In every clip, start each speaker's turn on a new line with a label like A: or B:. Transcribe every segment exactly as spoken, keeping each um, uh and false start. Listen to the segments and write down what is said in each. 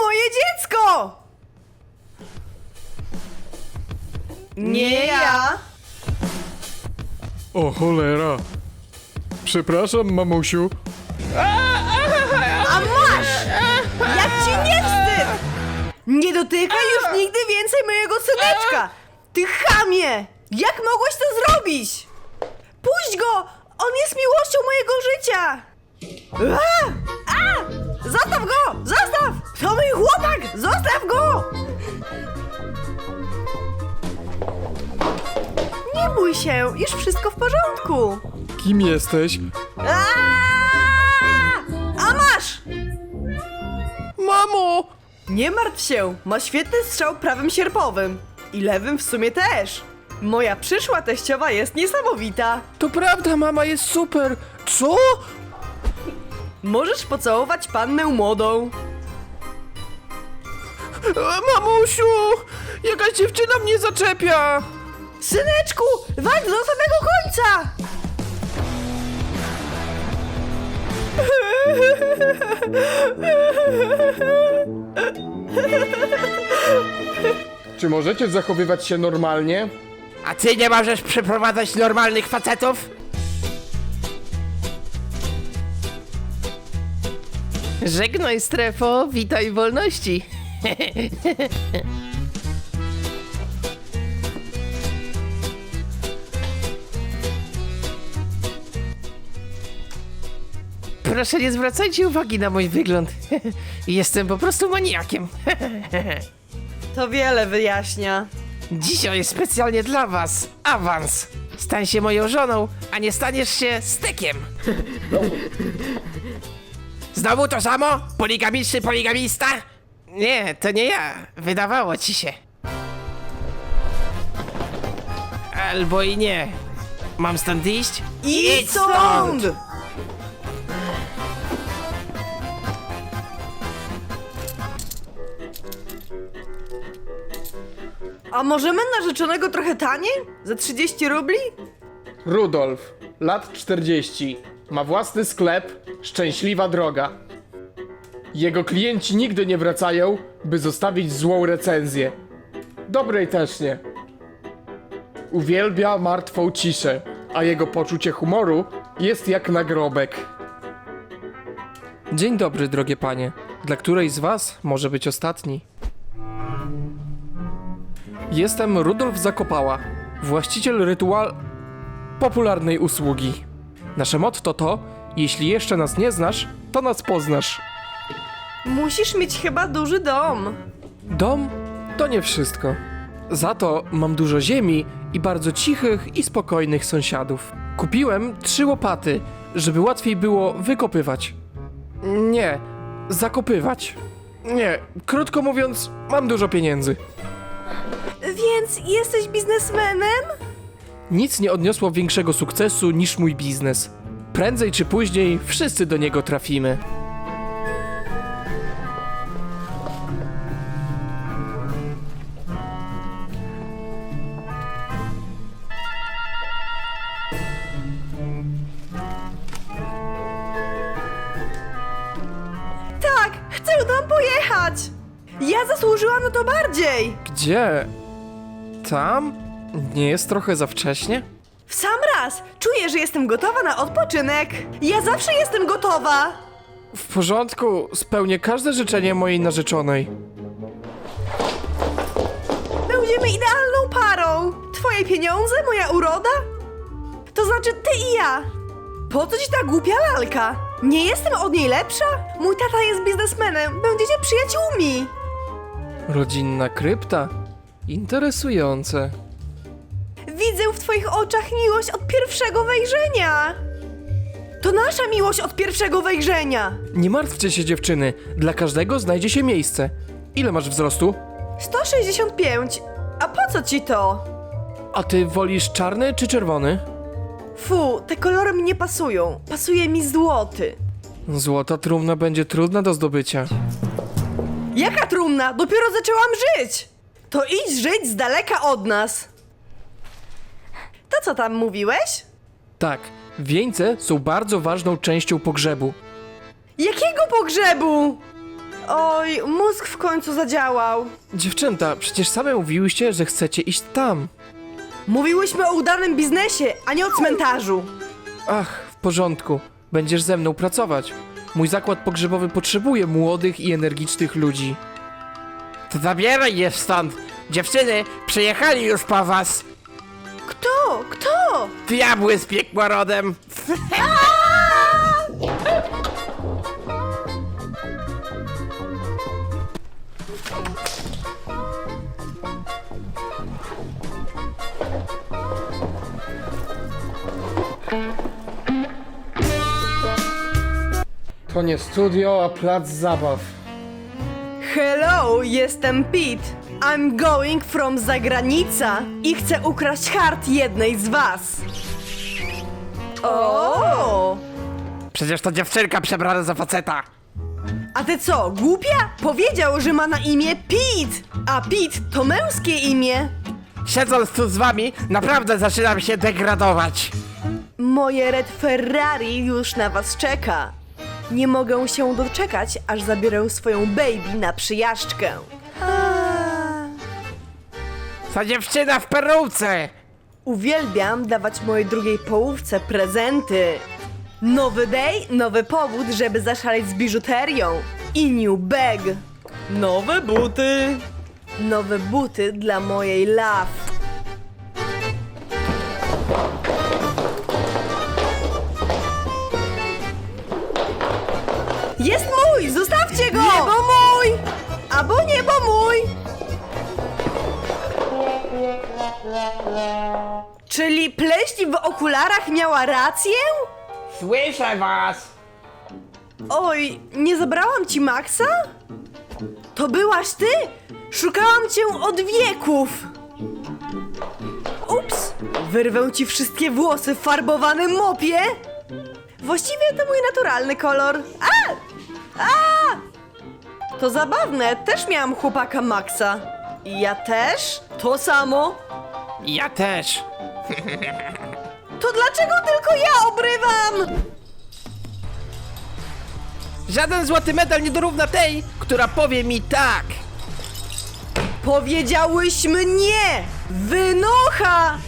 A: moje dziecko! Nie ja!
B: O cholera. Przepraszam, mamusiu.
A: A masz! Jak ci nie wstyd! Nie dotykaj już nigdy więcej mojego syneczka! Ty chamie! Jak mogłeś to zrobić? Puść go! On jest miłością mojego życia! A! A! Zostaw go! Zostaw! To mój chłopak! Zostaw go! Nie bój się, już wszystko w porządku.
B: Kim jesteś?
A: A! A masz!
B: Mamo!
A: Nie martw się, ma świetny strzał prawym sierpowym. I lewym w sumie też. Moja przyszła teściowa jest niesamowita.
B: To prawda, mama jest super. Co?
A: Możesz pocałować pannę młodą.
B: E, mamusiu! Jakaś dziewczyna mnie zaczepia!
A: Syneczku, walcz do samego końca!
B: Czy możecie zachowywać się normalnie?
C: A ty nie możesz przyprowadzać normalnych facetów?
D: Żegnaj strefo, witaj wolności. Proszę nie zwracajcie uwagi na mój wygląd. Jestem po prostu maniakiem.
A: To wiele wyjaśnia.
D: Dzisiaj specjalnie dla was awans. Stań się moją żoną, a nie staniesz się stekiem.
C: Znowu to samo? Poligamiczny poligamista?
D: Nie, to nie ja. Wydawało ci się. Albo i nie. Mam stąd iść?
A: Idź stąd! A możemy narzeczonego trochę taniej? Za trzydzieści rubli?
B: Rudolf, lat czterdzieści. Ma własny sklep, szczęśliwa droga. Jego klienci nigdy nie wracają, by zostawić złą recenzję. Dobrej też nie. Uwielbia martwą ciszę, a jego poczucie humoru jest jak nagrobek.
E: Dzień dobry, drogie panie. Dla której z was może być ostatni? Jestem Rudolf Zakopała, właściciel rytual... popularnej usługi. Nasze motto to, jeśli jeszcze nas nie znasz, to nas poznasz.
A: Musisz mieć chyba duży dom.
E: Dom to nie wszystko. Za to mam dużo ziemi i bardzo cichych i spokojnych sąsiadów. Kupiłem trzy łopaty, żeby łatwiej było wykopywać. Nie, zakopywać. Nie, krótko mówiąc, mam dużo pieniędzy.
A: Więc jesteś biznesmenem?
E: Nic nie odniosło większego sukcesu niż mój biznes. Prędzej czy później wszyscy do niego trafimy.
A: Tak, chcę tam pojechać! Ja zasłużyłam na to bardziej!
E: Gdzie? Tam? Nie jest trochę za wcześnie?
A: W sam raz! Czuję, że jestem gotowa na odpoczynek! Ja zawsze jestem gotowa!
E: W porządku, spełnię każde życzenie mojej narzeczonej.
A: Będziemy idealną parą! Twoje pieniądze, moja uroda? To znaczy ty i ja! Po co ci ta głupia lalka? Nie jestem od niej lepsza? Mój tata jest biznesmenem, będziecie przyjaciółmi!
E: Rodzinna krypta? Interesujące.
A: Widzę w twoich oczach miłość od pierwszego wejrzenia! To nasza miłość od pierwszego wejrzenia!
E: Nie martwcie się, dziewczyny, dla każdego znajdzie się miejsce. Ile masz wzrostu?
A: sto sześćdziesiąt pięć. A po co ci to?
E: A ty wolisz czarny czy czerwony?
A: Fu, te kolory mi nie pasują. Pasuje mi złoty.
E: Złota trumna będzie trudna do zdobycia.
A: Jaka trumna? Dopiero zaczęłam żyć! To idź żyć z daleka od nas. To co tam mówiłeś?
E: Tak, wieńce są bardzo ważną częścią pogrzebu.
A: Jakiego pogrzebu? Oj, mózg w końcu zadziałał.
E: Dziewczęta, przecież same mówiłyście, że chcecie iść tam.
A: Mówiłyśmy o udanym biznesie, a nie o cmentarzu.
E: Ach, w porządku. Będziesz ze mną pracować. Mój zakład pogrzebowy potrzebuje młodych i energicznych ludzi.
C: To zabieraj je stąd. Dziewczyny, przyjechali już po was.
A: Kto? Kto?
C: Diabły z piekła rodem.
B: To nie studio, a plac zabaw.
A: Hello, jestem Pete. I'm going from zagranica i chcę ukraść hart jednej z was. O!
C: Przecież to dziewczynka przebrana za faceta.
A: A ty co, głupia? Powiedział, że ma na imię Pete, a Pete to męskie imię.
C: Siedząc tu z wami, naprawdę zaczynam się degradować.
A: Moje Red Ferrari już na was czeka. Nie mogę się doczekać, aż zabiorę swoją baby na przyjażdżkę.
C: Ta dziewczyna w peruce.
A: Uwielbiam dawać mojej drugiej połówce prezenty. Nowy day, nowy powód, żeby zaszaleć z biżuterią. I new bag. Nowe buty. Nowe buty dla mojej love. Jest mój! Zostawcie go! Nie, bo mój! Albo nie, bo mój! Czyli pleśń w okularach miała rację?
C: Słyszę was.
A: Oj, nie zabrałam ci Maxa? To byłaś ty? Szukałam cię od wieków! Ups! Wyrwę ci wszystkie włosy w farbowanym mopie! Właściwie to mój naturalny kolor. A! A! To zabawne, też miałam chłopaka Maxa. I ja też? To samo?
C: Ja też.
A: To dlaczego tylko ja obrywam?
C: Żaden złoty medal nie dorówna tej, która powie mi tak.
A: Powiedziałyśmy nie! Wynocha!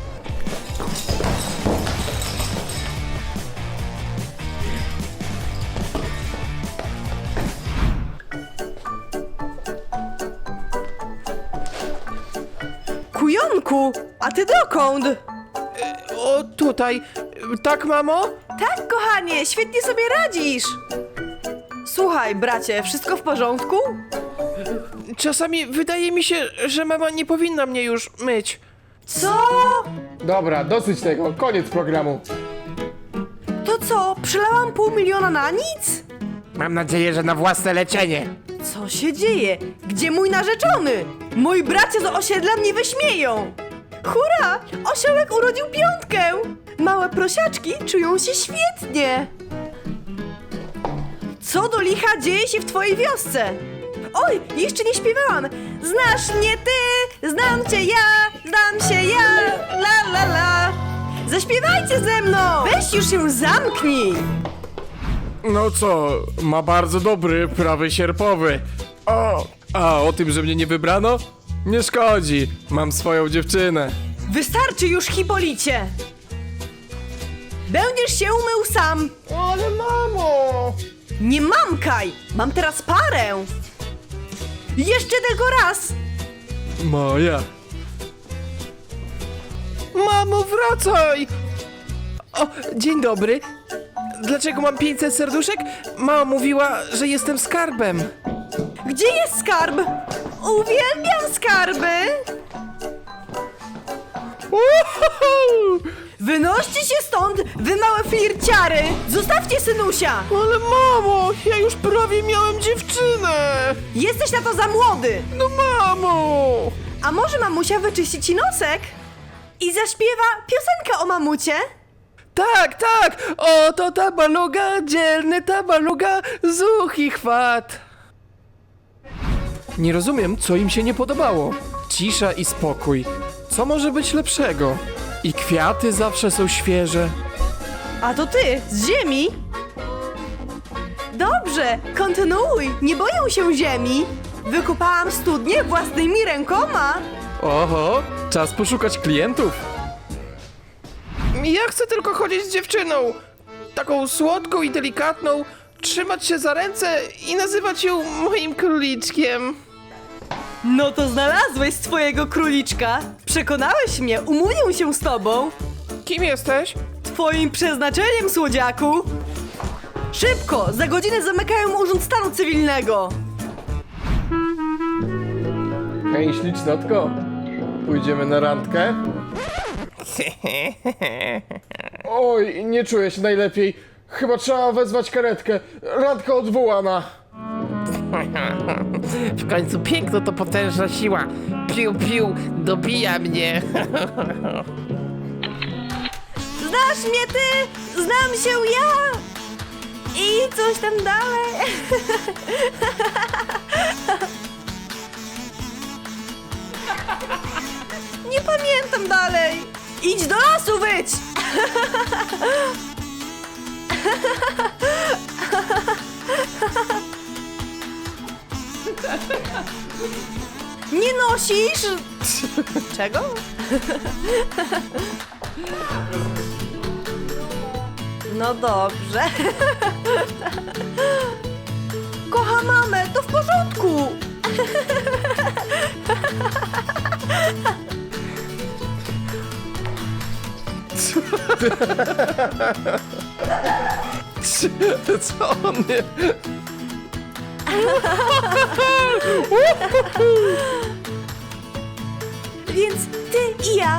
A: Kujonku, a ty dokąd?
E: O, tutaj. Tak, mamo?
A: Tak, kochanie, świetnie sobie radzisz. Słuchaj, bracie, wszystko w porządku?
E: Czasami wydaje mi się, że mama nie powinna mnie już myć.
A: Co?
B: Dobra, dosyć tego, koniec programu.
A: To co, przelałam pół miliona na nic?
C: Mam nadzieję, że na własne leczenie.
A: Co się dzieje? Gdzie mój narzeczony? Moi bracia z osiedla mnie wyśmieją. Hurra! Osiołek urodził piątkę! Małe prosiaczki czują się świetnie. Co do licha dzieje się w twojej wiosce? Oj, jeszcze nie śpiewałam. Znasz mnie ty, znam cię ja, znam się ja, la la la. Zaśpiewajcie ze mną! Weź już się zamknij!
E: No co, ma bardzo dobry prawy sierpowy. O, a o tym, że mnie nie wybrano? Nie szkodzi, mam swoją dziewczynę.
A: Wystarczy już, Hipolicie! Będziesz się umył sam!
B: Ale mamo!
A: Nie mamkaj! Mam teraz parę! Jeszcze tylko raz!
E: Moja. Mamo, wracaj! O, dzień dobry. Dlaczego mam pięćset serduszek? Mama mówiła, że jestem skarbem.
A: Gdzie jest skarb? Uwielbiam skarby!
E: Uhuhu!
A: Wynoście się stąd, wy małe flirciary! Zostawcie synusia!
E: Ale mamo, ja już prawie miałem dziewczynę!
A: Jesteś na to za młody!
E: No mamo!
A: A może mamusia wyczyści ci nosek? I zaśpiewa piosenkę o mamucie?
E: Tak, tak! Oto ta baluga, dzielny ta baluga, zuch i chwat. Nie rozumiem, co im się nie podobało. Cisza i spokój. Co może być lepszego? I kwiaty zawsze są świeże.
A: A to ty, z ziemi? Dobrze, kontynuuj. Nie boję się ziemi. Wykopałam studnię własnymi rękoma.
E: Oho, czas poszukać klientów.
D: Ja chcę tylko chodzić z dziewczyną. Taką słodką i delikatną, trzymać się za ręce i nazywać ją moim króliczkiem.
A: No to znalazłeś swojego króliczka. Przekonałeś mnie, umówię się z tobą.
D: Kim jesteś?
A: Twoim przeznaczeniem, słodziaku. Szybko, za godzinę zamykają urząd stanu cywilnego.
B: Hej, ślicznotko. Pójdziemy na randkę? Oj, nie czuję się najlepiej. Chyba trzeba wezwać karetkę. Randka odwołana.
D: W końcu piękno to potężna siła. Piu, piu, dobija mnie.
A: Znasz mnie ty, znam się ja. I coś tam dalej. Nie pamiętam dalej. Idź do lasu, wyć. Nie nosisz? Czego? No dobrze. Kocha mamę, to w porządku.
E: Co on nie...
A: Więc ty i ja.